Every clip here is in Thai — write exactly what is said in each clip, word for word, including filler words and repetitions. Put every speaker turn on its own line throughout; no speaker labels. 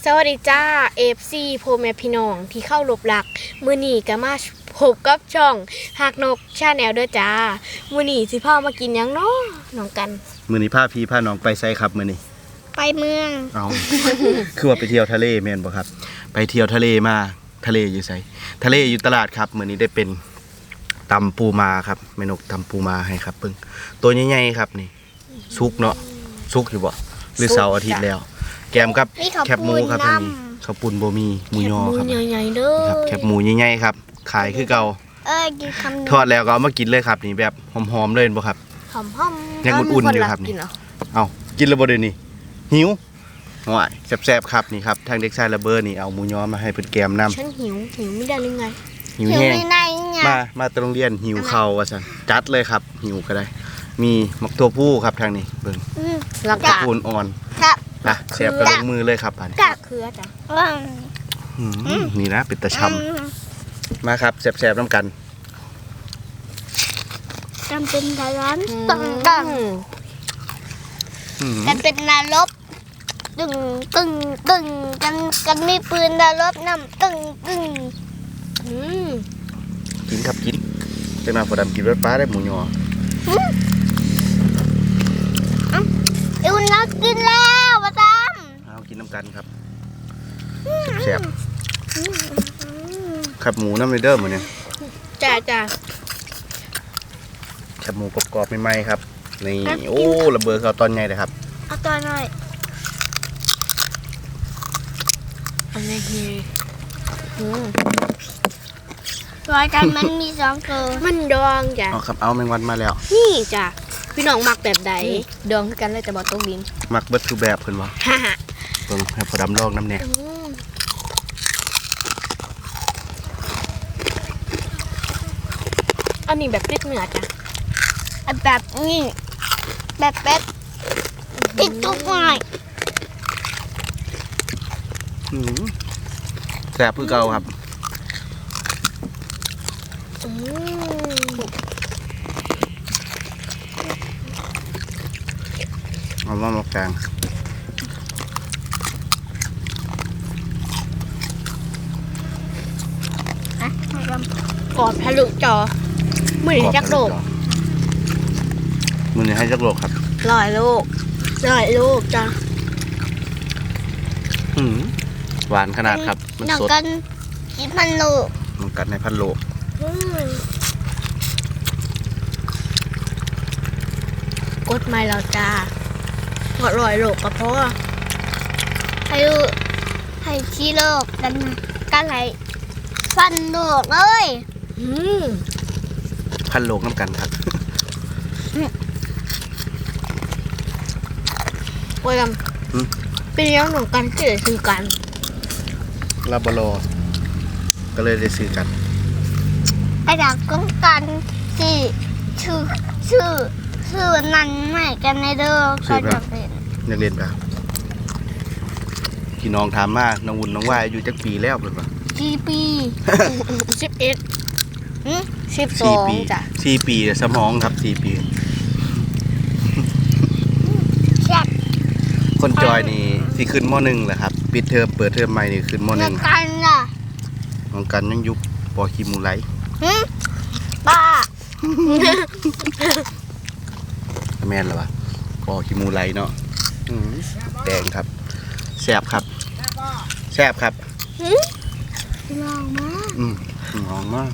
สวัสดีจ้า เอฟ ซี พ่อแม่พี่น้องที่เข้ารบหลักมื้อนี้ก็มาพบกับช่องหักนกชาแนลด้วยจ้ามื้อนี้สิพามากินหยังเนาะน้องกัน
มื้อนี้พาพี่พาน้องไปไสครับมื้อนี้
ไปเมือง
เอา คือว่าไปเที่ยวทะเลแม่นบ่ครับไปเที่ยวทะเลมาทะเลอยู่ไสทะเลอยู่ตลาดครับมื้อนี้ได้เป็นตำปูมาครับแม่นกตำปูมาให้ครับเบิ่งตัวใหญ่ๆครับนี่สุกเนาะสุกอยู่บ่หรือเสาร์อาทิตย์แล้วแกมกับแคบหมูครับอันนี้ข้าวปุ้นบ่มีหมูยอครับ
หมูใหญ่ๆเด้อ
ครับแคบหมูใหญ่ๆครับขายคือเก่า
เอ้ยกินคำ
ทอดแล้วก็เอามากินเลยครับนี่แบบหอมๆเลยบ่ครับ
หอมๆ
ยังอุ่นๆอยู่ครับนี่เอ้ากินแล้วบ่เด้นี่หิวห่วยแซ่บๆครับนี่ครับทางเด็กชายระเบิดนี่เอาหมูยอมาให้เพิ่นแกมนำ
ฉันหิวหิวไม่ได้หรือไง
หิวแห้งมามาตรงเรียนหิวข้าวว่าซั่นจัดเลยครับหิวก็ได้มีมักตัวผู้ครับทางนี้เบิ่ง
แล้วก็
ปูนอ่อนครับนะแซ่บกับลงมือเลยครับอันนี้
กะเขือจ้ะ
นี่นะเป็นตะชำมาครับแซ่บๆน้ำกัน
จำเป็นดาร้านตึงตึงกันเป็นนรกตึงตึงตึงกันกันมีปืนนรกน้ำตึงตึง
กินครับกินจะมาพอดำกินรสป้าได้หมูยอ
เอวนักกินแล้วมาตาม
เอากินน้ำกันครับแซ่บๆขับหมูน้ำในเดิมเหมือนเนี่ย
จ้าจ้า
ขับหมูกรอบๆใหม่ๆครับนี่โอ้ระเบิดเขาตอนไงเลยครับ
เอาตอนหน่อยอันนี้คือรายการมันมีสองตัวมันดองจ้ะ
เอาครับเอาแมงวันมาแล้ว
นี่จ้ะพี่น้องมักแบบใดดองกันเลยแต่บอกต้องดิน
มักเบิดทุกแบบเพิ่นว่า
ฮ่าฮ่า
เพิ่นให้พอดำลองน้ำเนี่ย
อันนี้แบบติดเนื้อจ้ะแบบนี้แบบแบบติดทุกหน่อย
แซ่บคือเก่าครับเอามาหมกแกง
กอดทะลุจอมือจักโลก
มือนี้ให้จักโลกครับ
ร้อยโลกร้อยโลกจ้ะ
หวานขนาดครับ
มันสดกันกินพันโลก
มันกัดในพันโลก
กดไม่เราจ้าหอดร้อยโลกก็พอให้ให้ชี้โลกกันกันไหลพันโลกเลย
พันโลกน้ำกันครับ
โอ้ยำเป็นยังหนูกันเกิดคือกัน
ลาบโลก็เลยได้ซื้อกัน
ไอ้ดอกก้องกันที่ชื่อชื่อชื่อนั้นใหม่กันในเด้อก็จะเป็น
นักเรียนครับพี่น้องถามมาน้องวุ่นน้องว่ายอายุจักปีแล้วเป็นปะ
สี่ปีสิบเอ็ดสิบสองจ้ะ
สี่ปีสมองครับสี่ปีคนจอยนี่ที่ขึ้นม.หนึ่งแหละครับปิดเทอมเปิดเทอมใหม่นี่ขึ้นม.หนึ่ง
กันน่ะ
น้องกันยังยุบปอคีมูไล
ป้า
แม่นหรอวะปอคีมูไลเนาะแดงครับแซ่บครับแซ่บครับ
ลองมา
อืมลองมา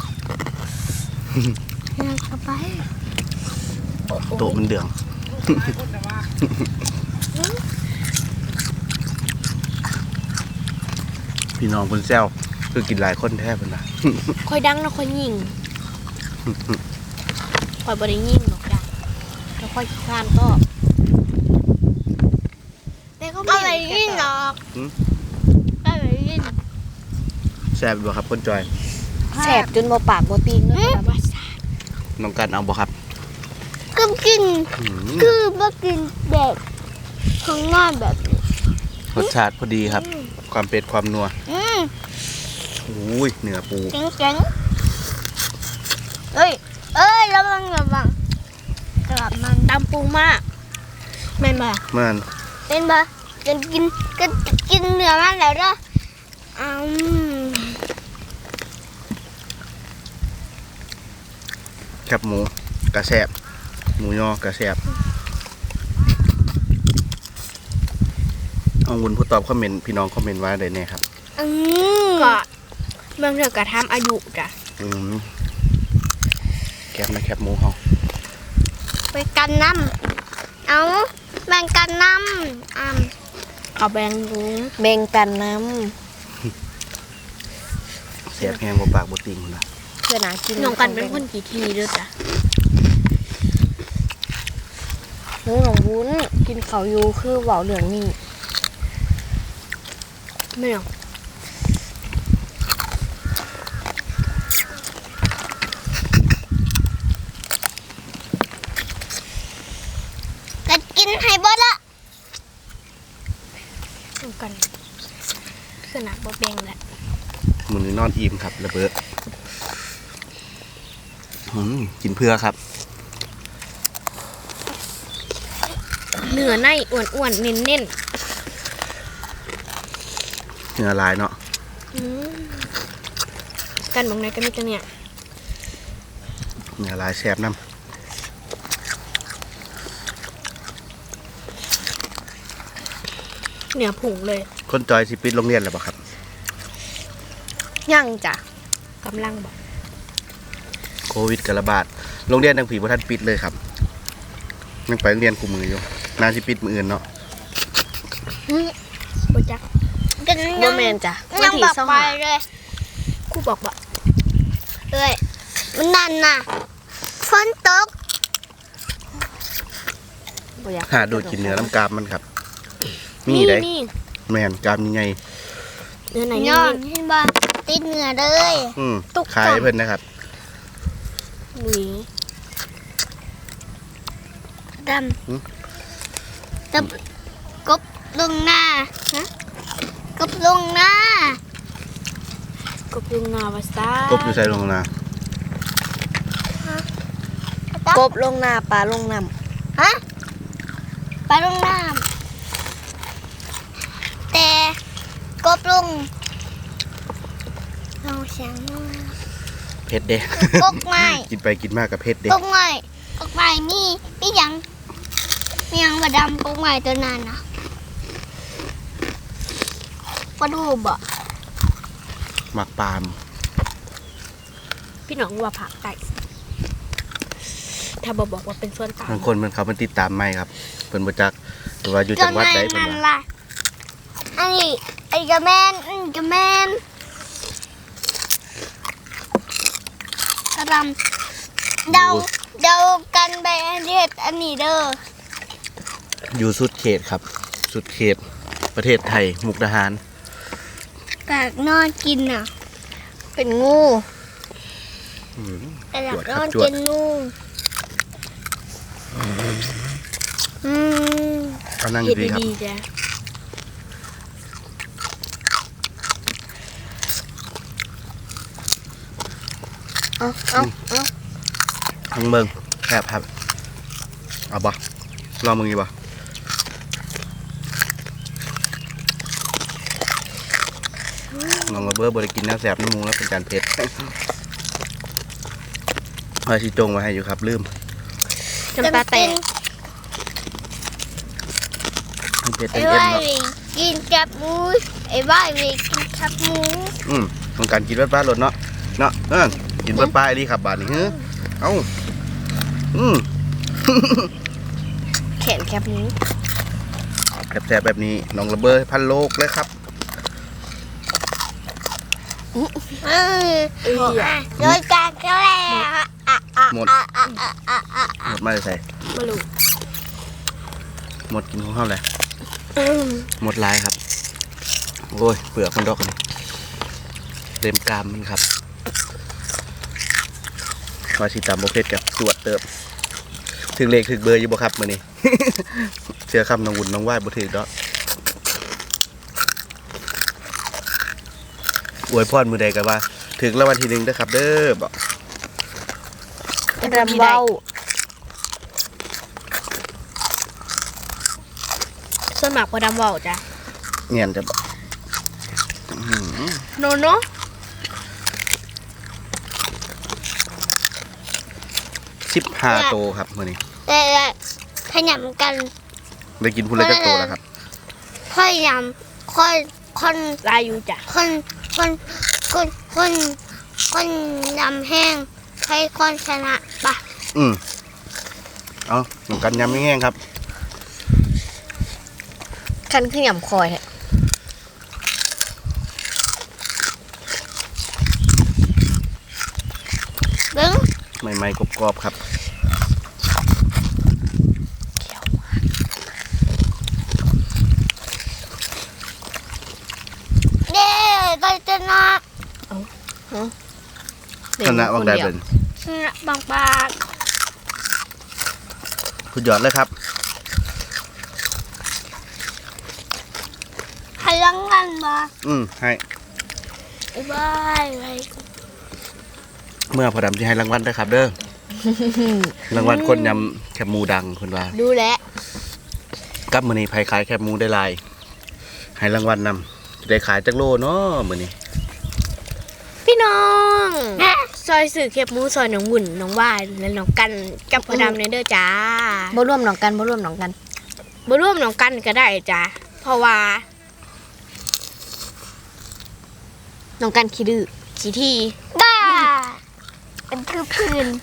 อยากจะไป
โตมันเดืองพี่น้องคนแซวคือกินหลายคนแทบเลยนะ
ค่อยดังนะค่อยยิงค่อยบริยิงหรอกจ้ะแล้วค่อยข้ามก็แต่ก็ไม่ได้ยิงหรอกไม่ได้ยิง
แซ่บบ่ครับคนจอย
แซ่บจนโมปากโมตีนเนอะ
น้องกันเอาบ่ครับ
ก็กินคือบ่กินแบบข้างหน้าแบบ
รสชาติพอดีครับความเป็ดความนัวอุ้ยเนื้อปู
เจ๋งเจ๋งเอ้ยเอ้ยระวังระวังกลับมันดำปูมากแม่นบ่
มัน
เป็นบ่จนกินก็กินเนื้อมันแล้วเด้ออืม
แคบหมูกระแสบหมูยอกระแสบเอาวุ้นผู้ตอบคอมเมนต์พี่น้องคอมเมนต์ว่าได้แน่ครับ
อืมก็เมืองเถื่อกระทำอายุจ้ะ
อืมแคบนะแคบหมูเขา
ไปกันน้ำเอาแบ่งกันน้ำอ่ำเอาแบ่งดู
แบ่งกันน้
เสียบแห้งบ่ปากบ่ติ่งนะ
ำเพื่อหนากิน
น้องกันเป็นคนกี่ทีด้วยจ้ะ
หนูหนองวุ้นกินเขาวอยู่คือเบาเหลืองนี่
ไม่หรอกกัดกินให้เบดละน้องกันขนาดบ่แบ่งแหละ
มื้อนี้นอนอิ่มครับระเบิดอืมกินเพื่อครับ
เนื้อในอ้วนๆเน้น
เนื้อลายเนาะ
ๆอืมกันบางไหนก็มีแต่เนี่ย
เนื้อลายแซ่บน้
เนื้อผงเลย
ำคนจอยสิปิดโรงเรียนแล้วบ่ครับ
ย่างจ้ะ
กำลังบอก
โควิดกระบาดโรงเรียนทางผีบ่ทันปิดเลยครับยังไปโรงเรียนกูมืออยู่น่าสิปิดมื้ออื่นเนาะ
บ่จักกัน
บ่แมนจ้ะวัน
ยัง
ที่
บอก
สอง
ไป
หา
เลยครูบอกบอกเอ้ยมันนั่นน่ะฝนตก
บ่อยาก
หาดูดกินเนื้อน้ำกามมันครับ มีได้
นี่
แม่นกามยังไง
เนื้อไหนย้อนเห็นบ่ติดเนื้อเลย
อืม
ตุก
ขายให้เพิ่นนะครับ
หวีด
หืม
ำตะกบลงหน้าฮะกบลงหน้ากบลงหน้าวาซาก
บอยู่ใส่ลงนะ
กบลงนาปลาลงน้
ฮะไปลงน้ำแต่กบลงเราเสียงมาก
เผ็ดเด้
กกไม้
กินไปกินมากกับเผ็ดเด้
กกไม้กกไม้มีมีหยังมีหยังบดำกกไม้ตัวนั้นนะปลาดูบ่
หมักปาล์ม
พี่น้องว่าผักไก่ถ้าบอกบอกว่าเป็นส่วนต่าง
บางคนมันเขามันติดตามไม่ครับเพิ่นบ่จักหรือว่าอยู่จังหวัดใดเพิ่น
นั่น
ว่า
ล่ะอันนี้ไอ้กระแมนอันนี้กระแมนกระดำเดาเดากันไปอันเด็ดอันนี้เด้อ
อยู่สุดเขตครับ สุดเขตประเทศไทยมุกดาหาร
กากนอนกินอ่ะ
ำเป็นงู
อืม
กาก
จวด
น
ครั
อบ น
จว
กิ
ด
นนู่นอืม
เอานั่ง
เฮ็ด
ดีๆครับ
ดีๆจ้ะ
เอาเอาเอา
ทั้งเบิ่งแคบครับเอาบ่ลองมึงดีบ่น้องระเบิดบ่ได้กินน้ำแสบน้ำมูกแล้วเป็นการเผ็ดเอาสิจงไว้ให้อยู่ครับลืม
จำปาแตก
มันเผ็ด
ไอ้
เต็ม
ว่า
ๆเนาะ
ยกินกับหมูไอ้ว่าไปกินกับหมู
อืมต้องการกินเบิดปลาหลดเนาะเนาะเออกินเบิดปลาอีหลีครับบาดนี้เฮ้อเอ้าอืม
แขนแคบนี้
แซ่บๆแบบนี้น้องระเบิดพันโลกเลยครับ
เออโดยการก็แล้วอ่ะอ่ะ
หมด
อ่ะอ่ะอ่ะอ่ะอ่ะ
หมดมาใส่
ไม่รู้
หมดกินของเขาเลยหมดลายครับโอ้ยเปลือกมันดอกนี่เต็มกรามมันครับว่าสิตามโบเพชรกับตรวจเติมถึงเลขถึงเบอร์อยู่บ่ครับมื้อนี้ เชื่อคำน้องวุ่นน้องไหว้บ่ถึงดอกอวยพรมือใดกันว่า ถึงรางวัลที่หนึ่งเด้อครับ เด้อบอก
รำเบ้า
ส่วนมากพอดำเว้าจ้ะ
เงียนจะบอก
โนโน
สิบห้าโตครับมื้อนี้
แต่ขยำกัน
ได้กินพุ่นละจักโตแล้วครับ
ค่อยยำค่อยคนลายอยู่จ้ะคนคนคนคนคนยำแห้งให้คนชนะปะ
อืมเอาหนูกันยำแห้งๆครับ
คันขึ้นยำคอยแท้
ดึง
ใหม่ๆกรอบๆครับ
เด้ก็ชนะ
ชนะวังได้เป็น
ชนะบางบาง
สุดยอดเลยครับ
ให้รางวัลมา
อืมให้
บายบาย
เมื่อพอดำจะให้รางวัลด้วยครับ เด้อ รางวัลคนยำแคบหมูดังคนว่า
ดูแล
กับมื้อนี้ไผขายแคบหมูได้หลายให้รางวัลนำจะได้ขายจักโลเนาะมื้อนี้
พี่น้องซอยสื่อเข็บหมูซอยหนองหุ่นหนองว่ายและหนองกันกับพอดำในเด้อจ้า
บ่ร่วมหนองกันบ่ร่วมหนองกัน
บ่ร่วมหนองกันก็ได้จ้าเพราะว่า
หนองกันขี้ดื้อ
ขี้ทีบ้าเป็นคือพื้น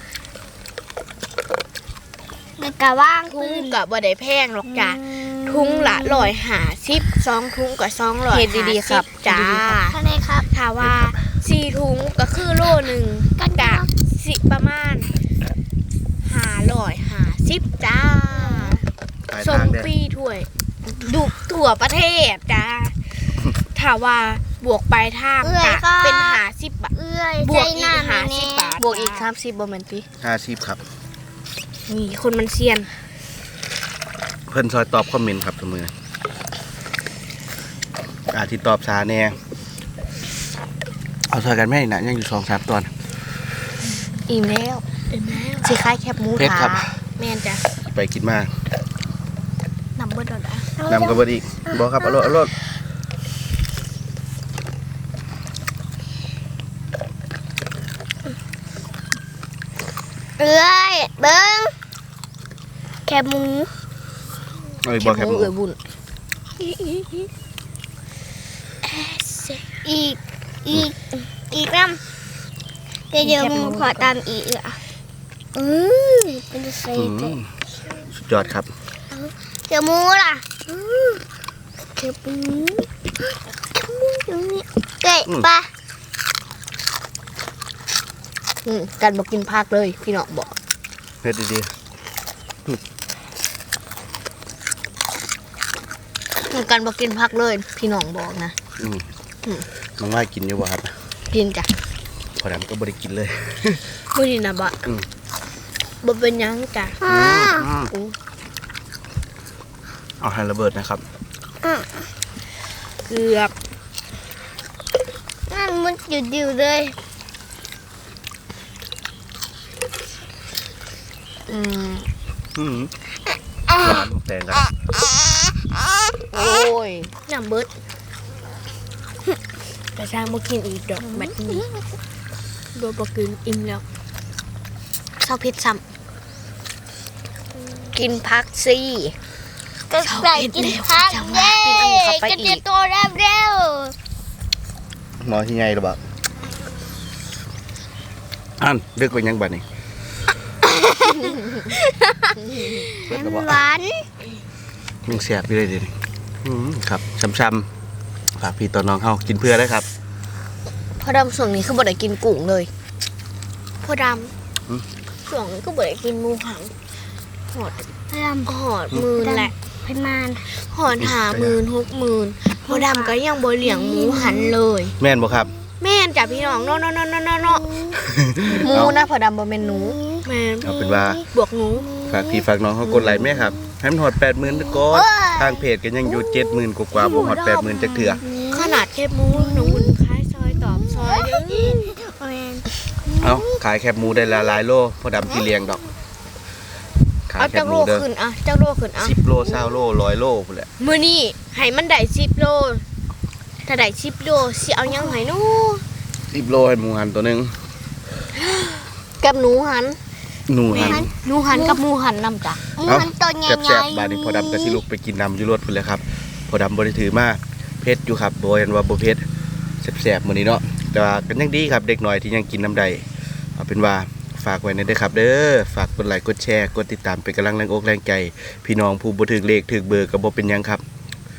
แล้วก็ว่างทุงกับบ่ได้แพงหรอกจ้าทุงละร้อยห้าสิบสองทุงกับสองร้อย
เฮ็ดดีๆครับ
จ้า
เฮ็ดดีๆครับ
ท่านครับถ้าว่าสี่ทุงก็คือโลหนึ่งก็จะสิประมาณห้าร้อยห้าสิบจ้า
ขาย
ส่
ทาง งเด้อ
ฟรีถ้วยดุทั่วประเทศจ้าถ้าว่าบวกไปทางจะเป็นหาสิบบาทบวกอีกหาสิบบาท
บวกอีกสามสิบบ่แม่นติ
ห้าสิบครับ
นี่คนมันเซียน
เพิ่นซอยตอบคอมเมนต์ครับทุกมื้ออาที่ตอบช้าแน่เอาซอยกันแม่น่ะยังอยู่สองสามตอน
อิ่มแล้ว
เห็นไหม
สิคล้ายแคบหมู
เพชรครับ
ถา
แม่นจ้ะ
ไปกินมาก
นำเบิดดอกอ่ะ
นำกับบดีบอกครับเอารถเอารถ
เอ้ยเบิ้งแคบหมู
เอ้ยบอกแคบหมู
เอ้ยบุญ
อีกอีกอีกน้ำเดี๋ยวมึงขอตามอีกอ่ะอืมเป็นจะใส่
อืมสุดยอดครับ
เดี๋ยวหมูล่ะเดี๋ยวหมูเดี๋ยวหมูอยู่นี่เก๋ปะ
อืมกันบ่กินผักเลยพี่น้องบอก
เฮ็ดดี
กันบ่กินผักเลยพี่น้องบอกนะ
ๆอืมน้องว่ากินอยู่บ่ครับ
กินจ้ะ
พอดำก็บ่ได้กินเลย
มื้อนี้นะบ่
อืม
บ่เป็นหยังจ้ะ
อืมเอาให้ระเบิดนะครับ
เกือบนั่นมันอยู่ๆเลย
อืม
อืมหวานแตงกัน
โอ้ย
น้ำเบิดแต่ช่างบ่กินอีกดอกแบบนี้บ่บ่กินอิ่มแล้ว
เศร้าพิษซ้ำกินผักสิ
ก็ใส่กินผักเย้ก็จะโตเร็ว
หมอที่ไงหรือเปล่าอันเลือกไปยังบัดนี้เบิดแล้วบ่
ๆหวาน
ยังแสบอยู่เลยเดี๋ยวนี้อืมครับช้ำๆฝากพี่ต่อน้องเฮากินเพื่อได้ครับ
พอดำส่วนนี้คือบ่ได้กินกุ้งเลย
พอด
อืม
ำช่วงนี้ก็บ่ได้กินหมูหันหอดดำหอดมือแหละประมาณหอดหาหมื่นหกหมื่นพอดำก็ยังบ่เลี้ยงหมูหันเลย
แม่นบ่ครับ
แม่นจ้ะพี่น้องเนาะเนาะเนาะเนาะเนาะเนาะ
หมูนะพอดำบ่แม่นหนู
แม่น
เอาเป็นว่า
บวกหนู
ฝากพี่ฝากน้องเขากดไลค์ไหมครับให้มันหอดแปดหมื่นก่อนทางเพจก็ยังอยู่เจ็ดหมื่นกว่าๆบ่หอดแปดหมื่นจักเถื่อ
ขนาดแคบหมูหนูอุ่นคล้ายซอยตอบซอยเด้อแม่น
เอาขายแคบหมูได้ละหลายโลพอดำที่เลี้ยงดอกขา
เอา
แค
จั
บ
ก
ห
โล
มูเด้อ
ขึ้นอ่ะจักโลขึ้นอ่ะ
สิบโลเศร้าโลร้อยโลพุ่นแหละ
มื้อนี้ให้มันได้สิบโลถ้าได้สิบโลสิเอาหยังให้หนู
สิบโลให้หมูหันตัวหนึง
กับหนูหัน
หนูหัน
หนูหันกับหมูหันนำจ้ะหมู
เอ้า
หันตัวใหญ่
แซ่บๆบาดนี้พอดำก็สิลุกไปกินน้ำอยู่รถพุ่นเลยครับพอดำบ่ได้ถือมาเผ็ดอยู่ครับบ่เห็นว่าบ่เผ็ดแซ่บๆมื้อนี้เนาะแต่ว่าก็ยังดีครับเด็กน้อยที่ยังกินน้ำใดเอาเป็นว่าฝากไว้ในเด้อครับเด้อฝากกดไลค์กดแชร์กดติดตามเป็นกำลังแรงอกแรงใจ พี่น้องผู้บ่ถึกเลขถึกเบอร์ก็บ่เป็นหยังครับ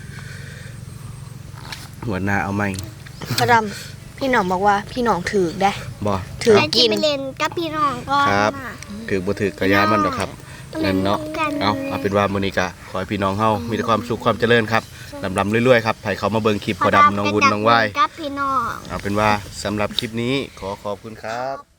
หัวหน้าเอาใหม่
พระดำพี่หน้องบอกว่าพี่หน้องถือได้
บ่
ถือ
ไป
กิน
ไปเล่นกับพี่น้องก่อน
ครับ
น่ะ
ถึกบ่ถึกก็ยามันดอกครับนั่นเนาะเอาเอาเป็นว่ามื้อนี้ก็ขอให้พี่น้องเฮามีแต่ความสุขความเจริญครับลำๆรวยๆครับไผเขามาเบิ่งคลิปพอดำน้องวุ้นน้องว่าย
กับพี่น้อง
เอาเป็นว่าสำหรับคลิปนี้ขอขอบคุณครับ